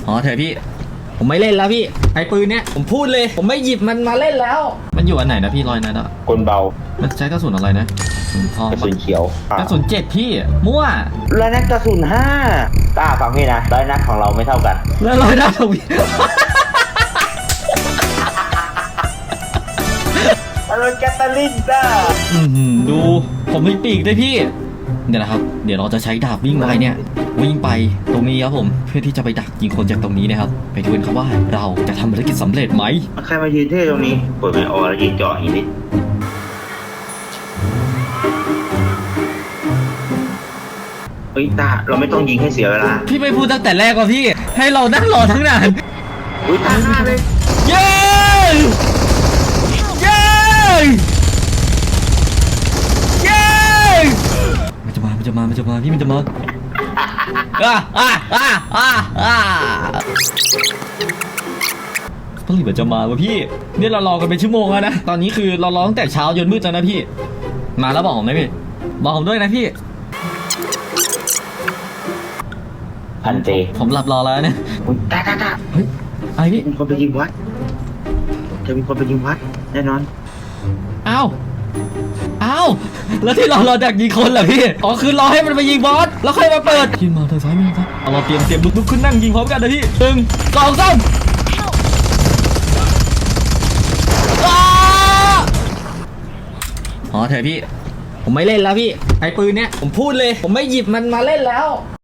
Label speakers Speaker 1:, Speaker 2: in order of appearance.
Speaker 1: พอเถอะพี่ผมไม่เล่นแล้วพี่ไอ้ปืนเนี้ยผมพูดเลยผมไม่หยิบมันมาเล่นแล้วมันอยู่อันไหนนะพี่รอยนั้นอะ
Speaker 2: กลเบา
Speaker 1: มันใช้กระสุนอะไรนะกระสุนทอง
Speaker 2: กระสุนเขียว
Speaker 1: กระสุนเจ็ดพี่มั่ว
Speaker 2: แล้วนักกระสุน5ฟังพี่นะร้อยนัดของเราไม่เท่ากัน
Speaker 1: แล้วรอยหน้าทวี
Speaker 2: อะไรแกตาลินจ้า
Speaker 1: ดูผมมีปีกด้วยพี่เดี๋ยวนะครับเดี๋ยวเราจะใช้ดาบวิ่งไปเนี่ยวิ่งไปตรงนี้ครับผมเพื่อที่จะไปดักยิงคนจากตรงนี้นะครับไปดูกันครับว่าเราจะทำภารกิจสำเร็จไหม
Speaker 2: ใครมายืนเท่ตรงนี้เปิดไมค์ออแล้วยืนจ่ออย่างนี้เฮ้ยตาเราไม่ต้องยิงให้เสียเวลา
Speaker 1: พี่ไม่พูดตั้งแต่แรกว่าพี่ให้เรานั่งรอทั้งนาน
Speaker 2: อุ้ยตาฆ่าเลย
Speaker 1: เย้เย้เย้มันจะมาพี่มันจะมาผลิตมันจะมาวะพี่เนี่ยเรารอกันเป็นชั่วโมงแล้วนะตอนนี้คือเรารอตั้งแต่เช้าจนมืดแล้วนะพี่มาแล้วบอกผมนะพี่บอกผมด้วยนะพี่
Speaker 2: พันเต
Speaker 1: ผมหลับรอแล้วเนี่ย
Speaker 2: อุ้ยตา
Speaker 1: เฮ้ยอะไรพี่
Speaker 2: มีคนไปยิงวัดจะมีคนไปยิงวัดแน่นอน
Speaker 1: อ้าวแล้วที่เราดักยิงคนเหรอพี่อ๋อคือรอให้มันไปยิงบอสแล้วค่อยมาเปิดยิงมาทางซ้ายมือครับเอาเราเตรียมลุกขึ้นนั่งยิงพร้อมกันนะพี่1 2 3พอเถอะพี่ผมไม่เล่นแล้วพี่ไอ้ปืนเนี้ยผมพูดเลยผมไม่หยิบมันมาเล่นแล้ว